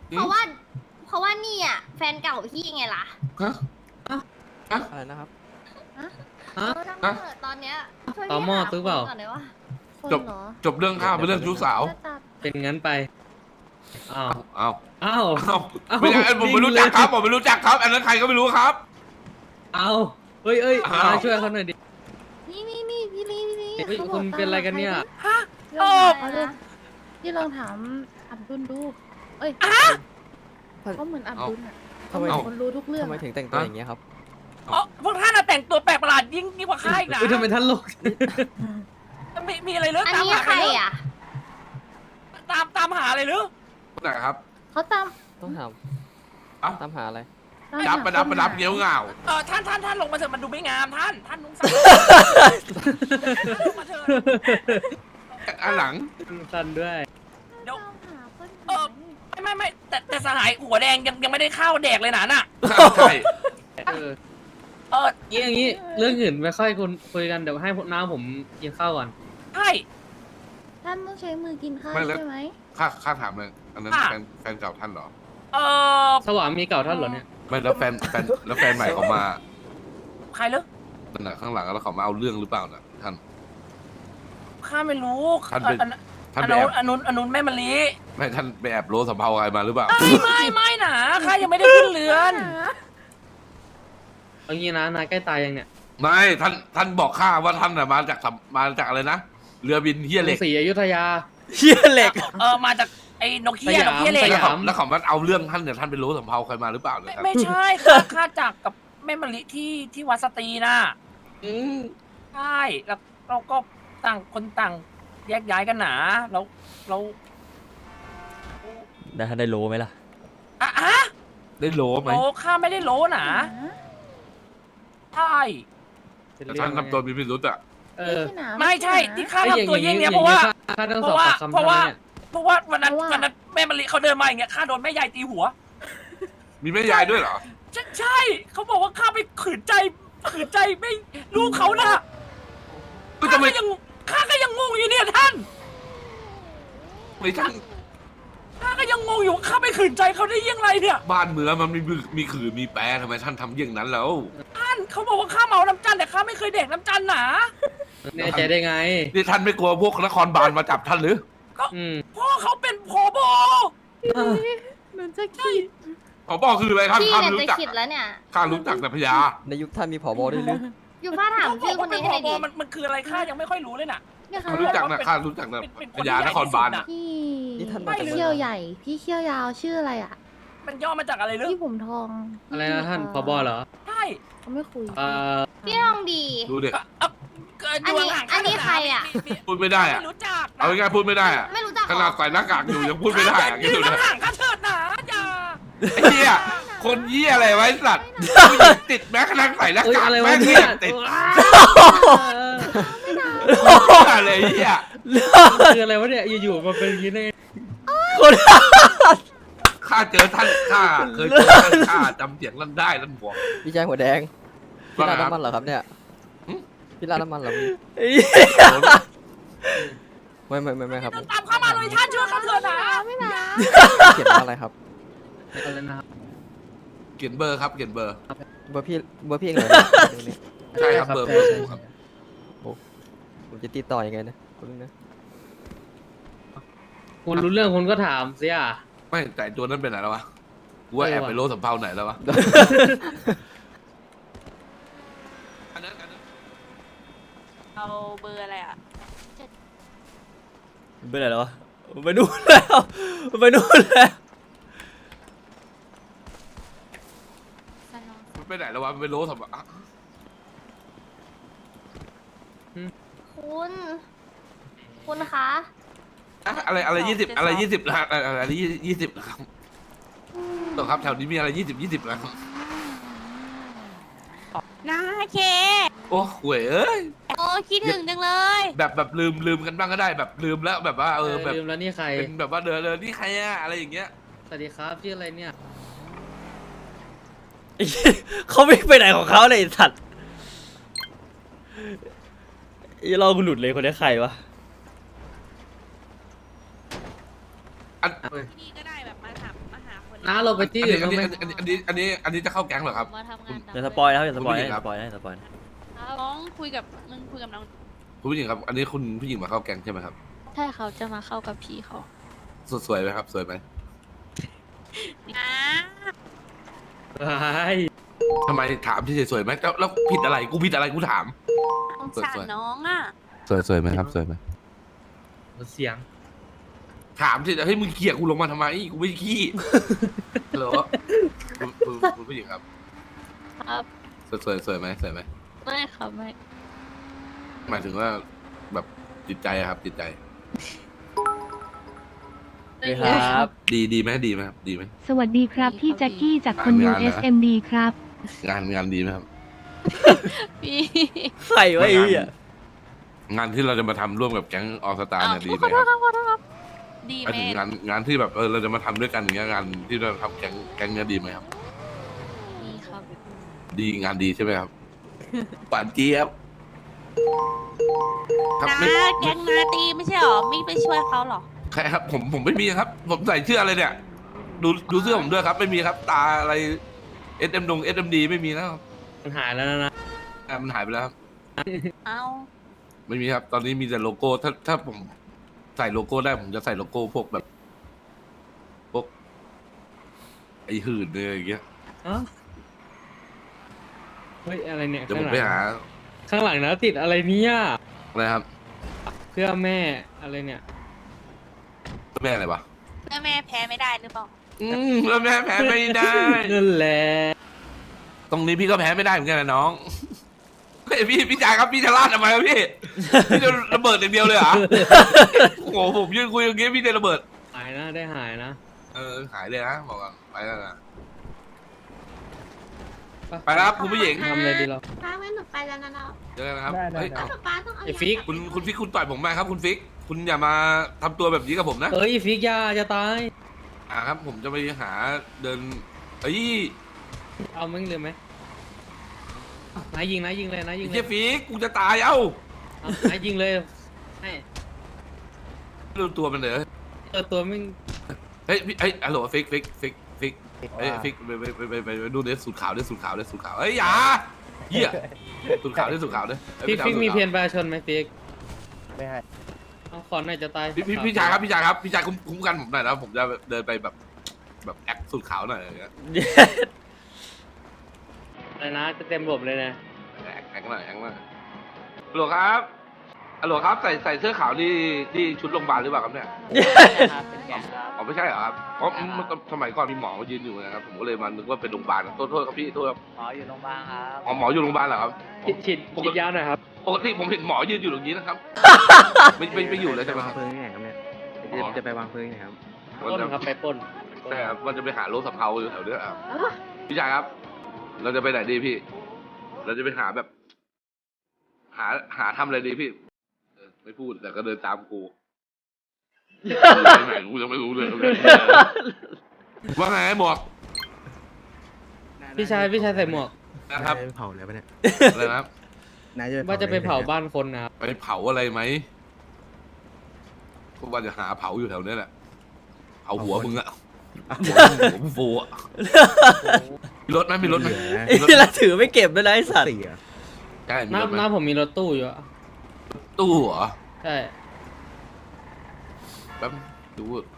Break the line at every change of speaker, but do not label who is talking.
เพราะว่านี่อ่ะแฟนเก่าพี่ไงล่ะ
ฮะ
อะไรนะครับ
ฮะ
ทั้งเปิดตอนเนี้ยช่วย
ต่อหม้อ
พี่า
ซื้อเปล่า
คนก่อนได้ปะ
คน
จบ
เหรอ
จบเรื่องข้าวเป็นเรื่องชู้สาว
จะจับ
เป็นงั้นไปอ้าว
อ้าว
อ้าว
อ้าว
อ้าว
ไม่ใช่ผมไม่รู้จักครับผมไม่รู้จักครับ อันนั้นใครก็ไม่รู้ครับ
อ้าวเอ้ย
อ้าว
มาช่วยเขาหน่อยดิ
นี่พี่ลี
เฮ้ย
เขาบ
คุ
อก
ณ
ตาม
เป็นอะไรกันเนี่ย
หาใครดิ
เออ
เอาดิพี่ลองถามอับดุลดู เอ้ยเขาเหมือนอับดุลอ่ะ
ทำไม
เขาเหมือนคนรู้ทุกเรื่อง
ทำไม
อะ
ถึงแต่งตัวอย่างเงี้ยครับ
อ๋อพวกท่านน่ะแต่งตัวแปลกประหลาดยิ่งกว่าข้าอีกนะ
เฮ้ยทำไมท่านโลก
มีอะไรหรือ
อัน
ตาม
นี้
หา
ใครอ่ะ
ตามหาอะไรหรือ
คนไหนครับ
เขาตาม
ต้องถาม
เอ้า
ตามหาอะไร
ตาม
ดับ
หา
ประดับ
ค
ประ
น
ดับ
หา
เงี้ยวเหงา
ท่านลงมาเถอะมันดูไม่งามท่านนุ่งสั้นลงมาเถอะ
อันหลัง
สั้นด้วย
เดี๋ยว
ตามหาคน
เออ ไม่แต่สหายหัวแดงยังไม่ได้ข้าวแดกเลยนะน่ะ
ใช่
เออ
เออ
อย่างงี้เรื่องอื่นไม่ค่อยคุยกันเดี๋ยวให้น้าผมกินข้าวก่อน
ใช่
ท่านต้องใช้มือกินข้าวใช่ไหม
ข้าถามเลยอันนั้นแฟนเก่าท่านเหรอ
เออ
สวามีเก่าท่านเหรอเนี่ย
ไม่แล้วแฟนใหม่เขามา
ใครหรือ
นั่นน่ะข้างหลังแล้วเขามาเอาเรื่องหรือเปล่าน่ะท่าน
ข้าไม่รู้
ท่านเป็น ท่าน
อ
ไปแอบ
นุนแม่มะลิ
ไม่ท่านไปแอบโลสำเภาอะไรมาหรือเปล่า
ไม่นะข้ายังไม่ได้ขึ้นเรือน
เอางี้นะนายใกล้ตายยังเนี่ย
ไม่ท่านบอกข้าว่าท่านน่ะมาจากอะไรนะเรือบินเฮียเหล็ก
ศรีอยุธยา
เฮียเหล็ก
มาจากไอ้นกเฮียนกเฮียเหล็ก
ส
แล้ว
ย
เขาแล้วเขามาเอาเรื่องท่านเนี่ยท่านไปรู้สำเภาใครมาหรือเปล่าเนี่ยครับ
ไม่ใช่ข้าจากกับแม่มะลิที่วัดสตรีน่ะ
อืม
ใช่แล้วเราก็ต่างคนต่างแยกย้ายกันหนาแล้ว
ได้รู้ไหมล่ะ
อ่ะ
ได้โลไหม
โลข้าไม่ได้โลหนาใช่
ท่านทำตัวมีพิรุษอ่ะ
เออ
ไม่ใช่ที่ข้า
ไอ้อย่าง
ทำตัวเยี่ยงเนี้ย
อ
เพราะว่า
ข้าต้องสอบปากคำ
เพราะว่า
ท่านเนี่ย
เพราะว่าวันนั้นแม่มะลิเขาเดินมาอย่างเงี้ยข้าโดนแม่ยายตีหัว
มีแม่ยายด้วยเหรอ
ใช่เขาบอกว่าข้าไปขืนใจไม่ลูกเขานะ
ก็จะไม่
ข้าก็ยังงงอยู่เนี่ยท่าน
ไม่ท่าน
ข้าก็ยังงงอยู่ว่าข้าไปขืนใจเขาได้ยังไงเนี่ย
บ้านเมืองมันมีขื่อมีแปรทำไมท่านทำเยี่ยงนั้นแล้ว
ท่านเขาบอกว่าข้าเมาน้ำจันแต่ข้าไม่เคยเด็กน้ำจันหนา
แน่ใจได้ไง
นี่ท่านไม่กลัวพวกนครบาลมาจับท่านหรือ
อืม
พ่อเขาเป็นผบ
เหมือนจะคิด
ผอคืออะไรท่าน
พี่
ข้า
เนี่ย
รู้
จะ
จัก
คิดแล้วเนี่ย
ข้ารู้จักแต่พญา
ในยุคท่านมีผบด้วยหรือ
อยู่ฟ้าถามชื่อคนนี้ให้หน่อยดิ
มันคืออะไรข้ายังไม่ค่อยรู้เลยน่ะ
เนี่ยค่ะ
ข้ารู้จักนะข้ารู้จักแต่
เป็น
พญานครบาลน่ะ
พี่
นี่ท่าน
ไม่
มาจาก
เลย
เขี้ยวใหญ่ พี่เขี้ยวยาวชื่ออะไรอ่ะ
มันย่อมาจากอะไรหรือ
พี่ผมทอง
อะไรนะท่านผบเหรอ
ใช่
เขาไม่คุย
พี่ลองดี
ดูดิ
อันนี้ใครอะ
พูดไม่ได้อะ
ไม่รู้จัก
เอาง่ายๆพูดไม่ได้อะ
ไม่รู้จัก
ขนาดใส่หน้ากากอยู่ยังพูดไม่ได้อะคิด
ยื
ดู
น
นะ
ห่างๆข้าเถิดหนาอย่า
ไอ้เหี้ยคนเหี้ยอะไรไว้สัตว์ผู้หญิงติดแม้กระทั่งใส่หน้า
เอ้ย
กาก
อะไรวะ
แม่ง
เนี่
เหี้
ย
ยติด
เออ
อะไรเหี้ย
คืออะไรวะเนี่ยอยู่ๆมาเป็นอย่างนี้ได้ไง
ข้าเจอท่านข้าเคยเจอท่านข้าจำเสียงลั่นได้ลั่นหัว
พี่ชายหัวแดง พี่
ว่าไง
ร้าน
ครับ
น้ำมันเหรอครับเนี่ย
หึ
พี่ร้านน้ำมันเหรอพี่ไม่ครับ
เดินตามเข้ามาเลยท่านช่วยข้าเถิดหนา
ไม่นะ
เขียนว่าอะไรครับ
อะไรนะครับ
เขียนเบอร์ครับเขียนเบอร์
เบอร์พี่เองเหรอเนี่ยตรงนี้
ใช่ครับเบอร์
ใช่
เบอร์
ใช่
ครับ
ผมจะติดต่อยังไงนะคุณนะ
คุณรู้เรื่องคุณก็ถามสิอ่ะ
ไม่แต่ตัวนั้นเป็นไหนแล้ววะกูว่าแอบไปโลสำเภาไหนแล้ววะอันนั้น
เอาเบอร์อะไรอ่ะ
ไปไหนแล้ววะไปนู่นแล้วไปนู่นแล้ว
มันไปไหนแล้ววะมันไปโลสำเภาอ่ะ
คุณคะ
อะไร20อะไร20นะอะไร20นะครับต่อครับแถวนี้มีอะไร20นะครับ
นาเค
โอ้หวยเอ้ย
โอ้คิดถึงจังเลย
แบบลืมกันบ้างก็ได้แบบลืมแล้วแบบว่าแบบ
ลืมแล้วนี่ใคร
เป็นแบบว่าเดินนี่ใครอะอะไรอย่างเงี้ย
สวัสดีครับชื่ออะไรเนี่ย
เขาไม่ไปไหนของเขาเลยสัตว์อย่าลองกูหลุดเลยคนนี้ใครวะ
อัน
ที่นี่ก็ได้แบบมาหา
น้าเราไปที่อื่นบ้างไหม
อันนี้จะเข้าแก๊งเหรอครับ
มาทำงาน
อย่าสปอยนะครับอย่าสปอย
คุณผู้หญิ
นะ
งครับ
สปอยนะสปอยนะ
น้องคุยกับมึงคุยกับน้อง
คุณผู้หญิงครับ อันนี้คุณผู้หญิงมาเข้าแก๊งใช่ไหมครับ
ใช่เขาจะมาเข้ากับพี่เขา
สวยไหมครับ สวยไหม
อ่า
ไอ้
ทำไมถามที่สวยไหมแล้วผิดอะไรกูผิดอะไรกูถาม
สงสารน้องอ่ะ
สวยไหมครับสวยไหม
เสียง
ถามที่เฮ้ยมึงเขี่ยกูลงมาทำไมกูไม่ได้ขี้ฮัลโหลคุณผู้หญิงครับ
ครับ
สวยไหมสวยไหม
ไม่ครับไม่
หมายถึงว่าแบบจิตใจอะครับ จิตใจ
นี่ครับ
ดีไหมดีไหมครับดีไหม
สวัสดีครับ พี่แจ็คกี้จากคนดู
งานนะ
SMD ครับ
งานดีไหมครับ
พี่
ใครวะไอ้เหี้ย
งานที่เราจะมาทำร่วมกับแก๊งออสตาเนี่ยดีไห
ข
ม
อโท
ค
ษ
รับ
ครับขอโทษครับดี
หมาย
ไหม
ถึงงานที่แบบเราจะมาทำด้วยกันอย่างเงี้ยงานที่เราทำแก๊งเนี้ยดีไหมครับ
ดีครับ
ดีงานดีใช่ไหมครับปานเจี๊ยบครับ
น้า
ไม่
แก๊งนาตีไม่ใช่หรอไม่ไปช่วยเขาหรอ
ใครครับผมไม่มีครับ ผมใส่เสื้ออะไรเนี่ย ดูเสื้อผมด้วยครับ ไม่มีครับ ตาอะไร SMD ไม่มีแล้วครับ
มันหายแล้วนะ
มันหายไปแล้วครับ
เอ้า
ไม่มีครับ ตอนนี้มีแต่โลโก้ถ้าผมใส่โลโก้ได้ผมจะใส่โลโก้พวกแบบพวกไอ้หื่นเลยอย่างเงี้ย
เอ้าเฮ้ยอะไรเนี่ย
เดี๋ยวผมไปหา
ข้างหลังนะติดอะไรเนี่ย
อะไรครับ
เพื่อแม่อะไรเนี่ย
แม่อะไรวะ
เพื่อแม่แพ้ไม่ได้หรือเปล่า
แล้วแม่แพ้ไม่ได้
นั่นแหละ
ตรงนี้พี่ก็แพ้ไม่ได้เหมือนกันนะน้องเฮ้ยพี่จ่ายครับพี่จะลาดทำไมครับพี่พี่จะระเบิดอย่างเดียวเลยเหรอโอ้โหผมยืนคุยอย่างเงี้ยพี่จะระเบิด
หายนะได้หายนะ
หายเลยนะบอกก่อนไปแล้วนะ ไปแล้วครับคุณผู้หญิง
ทำอะไรดีเรา
ป้างั้นหนูไปแล้วนะเนาะ
เจอกันนะครับเฮ้ยเอ้า
ป้าต้องเอา
ไอ้ฟิก
คุณฟิกคุณต่อยผมมาครับคุณฟิก คุณอย่ามาทำตัวแบบนี้กับผมนะ
เอ้ยฟิกยาจะตาย
ครับ ผมจะไปหาเดินเอ้ย
เอามึงเลยไหมนายยิงนายยิงเลยนายยิงเล
เฮี
ย
ยฟิกกูจะตายเอ้า
เอานายยิงเลยให้
ดูตัวมันเลย
ตัวมึง
เฮ้ยพี่เฮ้ยฮัลโหลฟิกเฮ้ยฟิกไปดูเดสสูตรขาวเดสสูตรขาวเฮ้ยอย่าเหี้ยสูตรขาวเดสสูตรขาวเด้
ฟิกมีเพียนประชาชนไหมฟิก
ไม่ให้
เอาขอหน่อยจะตาย
พี่ชายครับพี่ชายคุ้มกันผมหน่อยนะผมจะเดินไปแบบแอคสูตรขาวหน่อยอะไรเงี้ย
อะไรนะจะเต็มระบบเลยนะ
แอคหน่อยฮัลโหลครับใส่เสื้อขาวที่ชุดโรงพยาบาลหรือเปล่าครับเนี่ย อ๋อไม่ใช่เหรอครับเพราะสมัยก่อนมีหมอมายืนอยู่นะครับ ผมก็เลยมานึกว่าเป็นโรงพยาบาลโทษครับพี่โทษครับ
หมออยู่โรงพยาบาลครับ
อ๋อหมออยู่โรงพยาบาลเหรอครับ
ฉีดยาหน่อยครับ
ปกติผมเห็นหมอยืนอยู่ตรงนี้นะครับ ไม่อยู่เลยใช่ไหมครับ
วางเพลิงที่ไหนครับเนี่ยจะไปวางเพลิงที่ไหนครับ
ปล้นครับไปปล้น
ใช่ครับมันจะไปหาโรถสำเภาอยู่แถวเนี้ยครับพี่ชายครับ เราจะไปไหนดีพี่ เราจะไปหาแบบ หาทำอะไรดีพี่ไม่พูดแต่ก็เดินตามกูไปไหนกูยังไม่รู้เลยว่าไงหมวก
พี่ชายใส่หมวก
นะครับ
ไปเผาแล้วปะเนี่ย
อะไรนะครับ
นาย
ว่าจะไปเผาบ้านคนนะครับ
ไปเผาอะไรไหมก็ว่าจะหาเผาอยู่แถวเนี้ยแหละเผาหัวมึงอะหัวมึงฟูอะมีรถไหมมีรถไหม
ไอ้เหี้ยแล้วถือไม่เก็บด้วยนะไอ้สัตว์
สี่อ่ะ
ใช่มี
น้าร
ถไหม
น้าผมมีรถตู้อยู่อะ
ตู้เหรอ
ใช่
แป๊บดู